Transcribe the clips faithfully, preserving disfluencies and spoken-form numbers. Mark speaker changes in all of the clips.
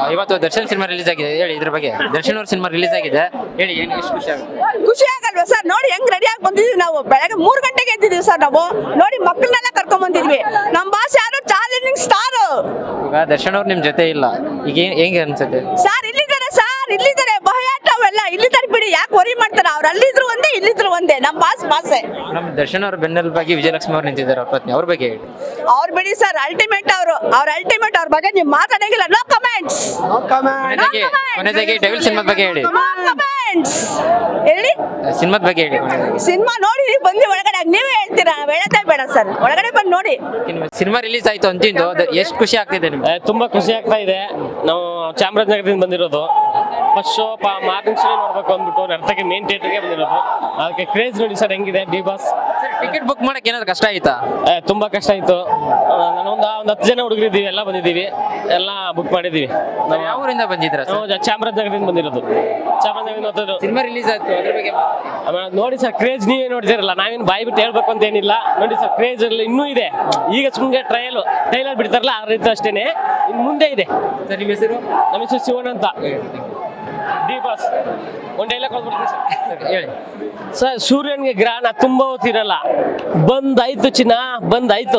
Speaker 1: ಇವತ್ತು Darshan cinema release ಆಗಿದೆ, ಹೇಳಿ ಇದ್ರ ಬಗ್ಗೆ. ದರ್ಶನ್ ಅವ್ರ ಸಿನಿಮಾ ರಿಲೀಸ್ ಆಗಿದೆ, ಹೇಳಿ ಏನು ಎಷ್ಟು ಖುಷಿ ಆಗುತ್ತೆ?
Speaker 2: ಖುಷಿ ಆಗಲ್ವಾ ಸರ್? ನೋಡಿ ಹೆಂಗ್ ರೆಡಿ ಆಗಿ ಬಂದಿದ್ವಿ ನಾವು. ಬೆಳಗ್ಗೆ ಮೂರ್ ಗಂಟೆಗೆ ಎದ್ದಿದೀವಿ ಸರ್ ನಾವು. ನೋಡಿ ಮಕ್ಕಳನ್ನೆಲ್ಲ ಕರ್ಕೊಂಡ್ ಬಂದಿದ್ವಿ. ನಮ್ಮ ಬಾಸ್ ಯಾರು ಚಾಲೆಂಜಿಂಗ್ ಸ್ಟಾರ್.
Speaker 1: ಈಗ ದರ್ಶನ್ ಅವ್ರು ನಿಮ್ ಜೊತೆ ಇಲ್ಲ, ಈಗ ಏನ್- ಹೆಂಗೆ ಅನ್ಸುತ್ತೆ?
Speaker 2: ಸರ್ ಇಲ್ಲಿದ್ದಾರೆ, ಸರ್ ಇಲ್ಲಿದ್ದಾರೆ. ಭಯಾಟ ಅವೆಲ್ಲ ಇಲ್ಲಿದ್ದಾರೆ ಬಿಡಿ, ಯಾಕೆ ವರಿ ಮಾಡ್ತಾರ? ಅವ್ರು ಅಲ್ಲಿದ್ರು ಒಂದೇ, ಇಲ್ಲಿದ್ರು ಒಂದೇ. ನಮ್ಮ ಬಾಸ್ ಬಾಸೆ.
Speaker 1: ನಮ್ಮ ದರ್ಶನ್ ಅವ್ರ ಬೆನ್ನೆಲ್ ಬಗ್ಗೆ ವಿಜಯಲಕ್ಷ್ಮಿ ಅವ್ರು ನಿಂತಿದ್ದಾರೆ, ಅವ್ರ ಪತ್ನಿ, ಅವ್ರ ಬಗ್ಗೆ ಹೇಳಿ.
Speaker 2: ಅವ್ರು ಬಿಡಿ ಸರ್, ಅಲ್ಟಿಮೇಟ್ ಅವರು. ಅವ್ರ ಅಲ್ಟಿಮೇಟ್. ಅವ್ರ ಬಗ್ಗೆ ನೀವು ಮಾತಾಡಂಗಿಲ್ಲ. No comments.
Speaker 1: ಕೊನೆದಾಗಿ ಕೊನೆದಾಗಿ ಡೆವಿಲ್ ಸಿನಿಮಾದ ಬಗ್ಗೆ ಹೇಳಿ.
Speaker 2: ಕಮೆಂಟ್ಸ್ ಹೇಳಿ.
Speaker 1: ಸಿನಿಮಾದ ಬಗ್ಗೆ ಹೇಳಿ ಕೊನೆದಾಗಿ.
Speaker 2: ಸಿನಿಮಾ ನೋಡಿ ಬಂದು ಒಳಗಡೆ ನೀವೇ ಹೇಳ್ತೀರಾ, ಹೇಳೋದೇ ಬೇಡ ಸರ್. ಒಳಗಡೆ ಬಂದು ನೋಡಿ.
Speaker 1: ಸಿನಿಮಾ ರಿಲೀಸ್ ಆಯ್ತು ಅಂತಿಂದು ಎಷ್ಟು ಖುಷಿ ಆಗ್ತಿದೆ ನಿಮ್ಗೆ?
Speaker 3: ಏ, ತುಂಬಾ ಖುಷಿ ಆಗ್ತಾ ಇದೆ. ನಾವು ಚಾಮರಾಜನಗರದಿಂದ ಬಂದಿರೋದು. ಫಸ್ಟ್ ಶೋ ಮಾರ್ನಿಂಗ್ ಶೋ ನೋಡ್ಬೇಕು ಅಂದ್ಬಿಟ್ಟು ನರ್ತಕ್ಕೆ ಮೇನ್ ಥಿಯೇಟರ್ಗೆ ಬಂದಿರೋದು. ಅದಕ್ಕೆ ಕ್ರೇಜ್ ನೋಡಿ ಸರ್ ಹೆಂಗಿದೆ ಡಿ ಬಾಸ್.
Speaker 1: ಟಿಕೆಟ್ ಬುಕ್ ಮಾಡಕ್ಕೆ ಏನಾದ್ರು ಕಷ್ಟ ಆಯ್ತಾ?
Speaker 3: ಏ, ತುಂಬಾ ಕಷ್ಟ ಆಯ್ತು. ನಾನೊಂದು ಒಂದು ಹತ್ತು ಜನ ಹುಡುಗರಿದ್ದೀವಿ, ಎಲ್ಲ ಬಂದಿದ್ದೀವಿ, ಎಲ್ಲ ಬುಕ್ ಮಾಡಿದ್ದೀವಿ. ನಾವು
Speaker 1: ಯಾವ ಊರಿಂದ ಬಂದಿದ್ರ?
Speaker 3: ನಾವು ಚಾಮರಾಜನಗರದಿಂದ ಬಂದಿರೋದು. ಚಾಮರಾಜನಗರದಿಂದ ಹೋದ್ರು.
Speaker 1: ಸಿನಿಮಾ ರಿಲೀಸ್ ಆಯ್ತು, ಅದ್ರ ಬಗ್ಗೆ
Speaker 3: ಆಮೇಲೆ ನೋಡಿ ಸರ್, ಕ್ರೇಜ್ ನೀವೇ ನೋಡ್ತಿರಲ್ಲ, ನಾವೇನು ಬಾಯಿ ಬಿಟ್ಟು ಹೇಳ್ಬೇಕು ಅಂತ ಏನಿಲ್ಲ. ನೋಡಿ ಸರ್, ಕ್ರೇಜ್ ಅಲ್ಲಿ ಇನ್ನೂ ಇದೆ. ಈಗ ಸುಮ್ಮನೆ ಟ್ರಯಲ್ ಟ್ರೈಲರ್ ಬಿಡ್ತಾರಲ್ಲ ಆ ರೀತಿ ಅಷ್ಟೇನೆ, ಇನ್ನು ಮುಂದೆ ಇದೆ.
Speaker 1: ಸರ್ ನಿಮ್ಮ ಹೆಸರು?
Speaker 3: ನಮ್ಮ ಹೆಸರು ಶಿವಣ್ಣ ಅಂತ. ಡಿ ಬಾಸ್ ಒಂದು ಡೈಲಾಗ್ ಕೊಡ್ಬಿಡ್ತೀನಿ ಸರ್.
Speaker 1: ಹೇಳಿ
Speaker 3: ಸರ್, ಸೂರ್ಯನ್ಗೆ ಗ್ರಹಣ ತುಂಬಾ ಹೊತ್ತಿರಲ್ಲ, ಬಂದಾಯ್ತು ಚಿನ್ನ ಬಂದಾಯ್ತು.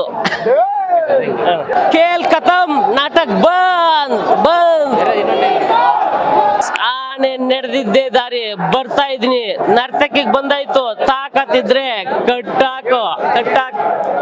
Speaker 3: ಕೇಲ್ ಖತಮ್, ನಾಟಕ್ ಬಂದ್ ಬಂದ್. ಆನೆ ನಡೆದಿದ್ದೆ ದಾರಿ ಬರ್ತಾ ಇದೀನಿ, ನರ್ತಕಿಗೆ ಬಂದಾಯ್ತು, ತಾಕತ್ತಿದ್ರೆ ಕಟ್ಟಾಕು ಕಟ್ಟಾಕ್.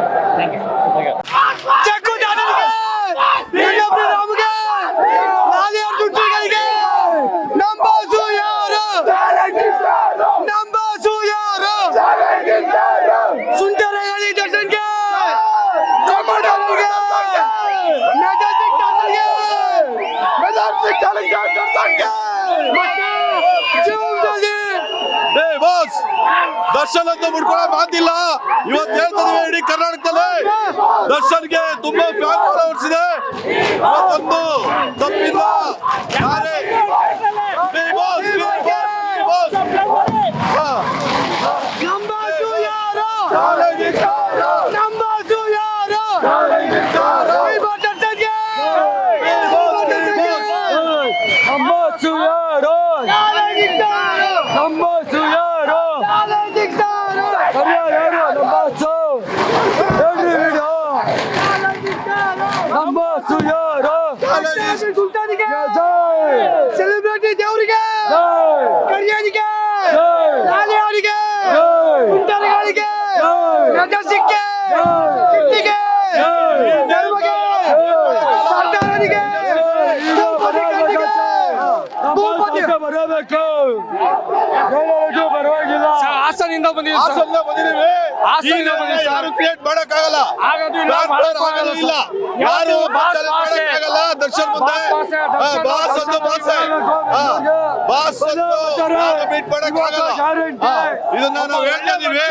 Speaker 4: ದರ್ಶನ್ ಅಂತ ಮುಡ್ಕೊಳ್ಳೋ ಮಾತಿಲ್ಲ. ಇವತ್ತು ಹೇಳ್ತಿದೀವಿ, ಇಡೀ ಕರ್ನಾಟಕದಲ್ಲಿ ದರ್ಶನ್ಗೆ ತುಂಬಾ ಫ್ಯಾನ್ ಫಾಲೋವರ್ಸ್ ಇದೆ. ಇವತ್ತೊಂದು ತಪ್ಪಿಲ್ಲ. ಯಾರೇ
Speaker 5: ಸೆಲೆಬ್ರಿಟಿ ದೇವರಿಗೆ, ಕರಿಯರಿಗೆ, ಲಾಲಿಯವರಿಗೆ, ಕುಂಟರಗಳಿಗೆ, ಮೆಜೆಸ್ಟಿಕ್ಗೆ, ಕಿಟ್ಟಿಗೆ, ದೇವರಿಗೆ, ಸರ್ದಾರರಿಗೆ, ಬರಬೇಕು. ಪರವಾಗಿಲ್ಲ. ಹಾಸನಿಂದ ಬಂದಿದ್ದೀವಿ.
Speaker 4: ಹಾಸನಿಂದ ಬಂದಿದ್ದೀವಿ.
Speaker 5: ಹಾಸನಿಂದ ಬಂದಿದ್ದೀವಿ.
Speaker 4: ಯಾರು ಕ್ರಿಯೇಟ್ ಮಾಡಕ್ ಆಗಲ್ಲ, ಆಗಲ್ಲ. ಯಾರು ಆಗಲ್ಲ. ದರ್ಶನ್ ಮುಂದೆ ಬಾಸ್ ಅಂತ ಬಾಸ್ ಬಾಸ್ ಅಂತ ಮೀಟ್ ಮಾಡಕ್ ಆಗಲ್ಲ. ಇದನ್ನ ನಾವು ಹೇಳ್ತಾ ಇದೀವಿ.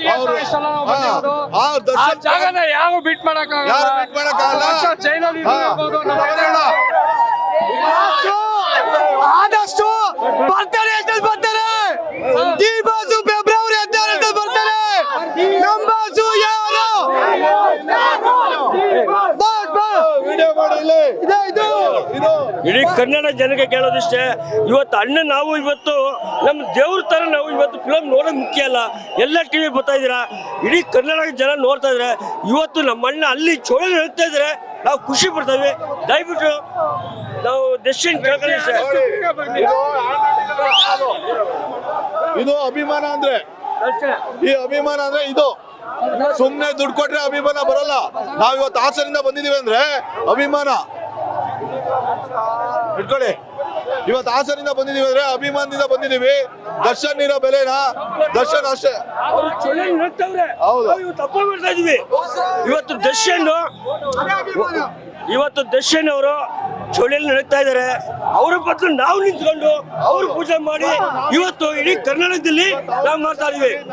Speaker 5: ಜಾಗನ ಯಾವ ಬಿಟ್ ಮಾಡಕ್
Speaker 4: ಯಾರು ಮೀಟ್ ಮಾಡಕ್ ಆಗಲ್ಲ.
Speaker 5: ಜೈಲಲ್ಲಿ
Speaker 4: ಆದಷ್ಟು ಬರ್ತಾರೆ, ಬರ್ತಾರೆ. ಡಿ ಬಾಸು ಫೆಬ್ರವರಿ ಹದಿನಾರರಿಂದ ಬರ್ತಾರೆ. ನಮ್ಮ ಬಾಸು ಯಾರು?
Speaker 6: ಇಡೀ ಕನ್ನಡ ಜನಕ್ಕೆ ಕೇಳೋದಿಷ್ಟೇ, ಇವತ್ತು ಅಣ್ಣ ನಾವು ಇವತ್ತು ನಮ್ಮ ದೇವ್ರ ತರ ನಾವು ಇವತ್ತು ಫಿಲಮ್ ನೋಡೋದು ಮುಖ್ಯ ಅಲ್ಲ. ಎಲ್ಲ ಟಿವಿ ಬರ್ತಾ ಇದ್ದೀರಾ, ಇಡೀ ಕನ್ನಡ ಜನ ನೋಡ್ತಾ ಇದ್ರೆ. ಇವತ್ತು ನಮ್ಮ ಅಣ್ಣ ಅಲ್ಲಿ ಚೋಳ ಹೇಳ್ತಾ ಇದ್ರೆ ನಾವು ಖುಷಿ ಪಡ್ತೇವೆ. ದಯವಿಟ್ಟು ನಾವು ಡೆಸಿಷನ್ ಕೇಳ್ಕೊಳ್ಳಿ.
Speaker 4: ಇದು ಅಭಿಮಾನ ಅಂದ್ರೆ, ಈ ಅಭಿಮಾನ ಅಂದ್ರೆ ಇದು ಸುಮ್ನೆ ದುಡ್ಡು ಕೊಟ್ರೆ ಅಭಿಮಾನ ಬರಲ್ಲ. ನಾವ್ ಇವತ್ತು ಹಾಸನಿಂದ ಬಂದಿದೀವಿ ಅಂದ್ರೆ ಅಭಿಮಾನ ಇಟ್ಕೊಳ್ಳಿ. ಇವತ್ತು ಹಾಸನಿಂದ ಬಂದಿದೀವಿ ಅಂದ್ರೆ ಅಭಿಮಾನದಿಂದ ಬಂದಿದೀವಿ. ದರ್ಶನ್ ಇರೋ ಬೆಲೆನಾ ದರ್ಶನ್ ಅಷ್ಟೇ. ಹೌದು,
Speaker 6: ತಪ್ಪ ಮಾಡ್ತಾ ಇದೀವಿ. ಇವತ್ತು ದರ್ಶನ್ ಇವತ್ತು ದರ್ಶನ್ ಅವರು ಚೋಳಿಯಲ್ಲಿ ನಡೀತಾ ಇದ್ದಾರೆ. ಅವ್ರ ಬದಲು ನಾವು ನಿಂತ್ಕೊಂಡು ಅವ್ರ ಪೂಜೆ ಮಾಡಿ ಇವತ್ತು ಇಡೀ ಕರ್ನಾಟಕದಲ್ಲಿ ನಾವು ಮಾಡ್ತಾ ಇದೀವಿ.